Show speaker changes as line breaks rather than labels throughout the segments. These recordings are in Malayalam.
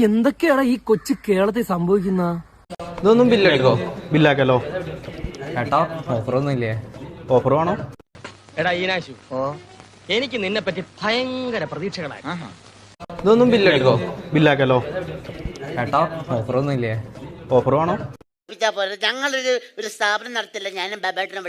എന്തൊക്കെയാണ് ഈ കൊച്ചു കേരളത്തിൽ സംഭവിക്കുന്ന?
ഇതൊന്നും ബില്ലടിക്കോ?
ബില്ലാക്കല്ലോ.
ഏട്ടാ ഓഫറൊന്നും ഇല്ലേ?
ഓഫർ വേണോ?
എടാ ഈനാശു, എനിക്ക് നിന്നെ പറ്റി ഭയങ്കര പ്രതീക്ഷകളായി.
ഇതൊന്നും ബില്ലടിക്കോ?
ബില്ലാക്കല്ലോ.
ഏട്ടാ ഓഫറൊന്നും ഇല്ലേ?
ഓഫർ വേണോ?
ഞങ്ങളൊരു സ്ഥാപനം നടത്തില്ല. ഞാനും ബബേട്ടനും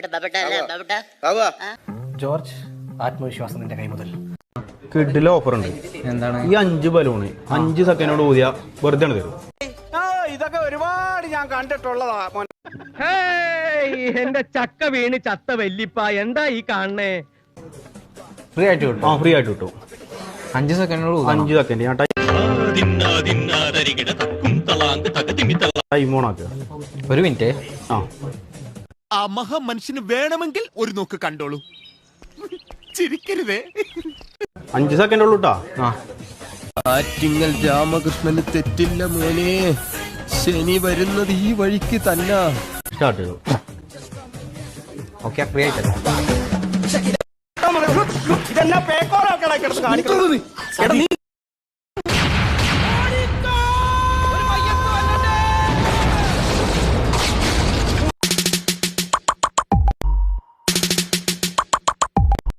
ജോർജ്, ആത്മവിശ്വാസം നിന്റെ കൈ മുതൽ.
കിഡിലെ ഓഫർ ഉണ്ട്.
എന്താണ്?
ഈ 5 ബലൂണ് 5 സെക്കൻഡോട് ഊതിയ വെറുതെ തരും.
ഇതൊക്കെ ഒരുപാട് ഞാൻ കണ്ടിട്ടുള്ളതാ.
എന്റെ ചക്ക വീണ് ചത്ത വല്ലിപ്പ, എന്താ ഈ കാണണേ?
ഫ്രീ ആയിട്ട് കിട്ടും.
ഫ്രീ ആയിട്ട് കിട്ടും.
5 സെക്കൻഡോട്
5 സെക്കൻഡ് ഞാൻ ടൈം ഓണാക്കുക.
1 മിനിറ്റ്.
ആ മഹാമനുഷ്യന് വേണമെങ്കിൽ ഒരു നോക്ക് കണ്ടോളൂ. ചിരിക്കരുതേ.
5 സെക്കൻഡ് ഉള്ളൂ കേട്ടാ.
ആറ്റിങ്ങൽ രാമകൃഷ്ണന് തെറ്റില്ല മോനെ. ശനി വരുന്നത് ഈ വഴിക്ക് തന്നെ.
സ്റ്റാർട്ട് ചെയ്തു.
ഓക്കെ, ഫ്രീ ആയിട്ടല്ലേ?
ഇതെല്ലാം പേക്കോലൊക്കെ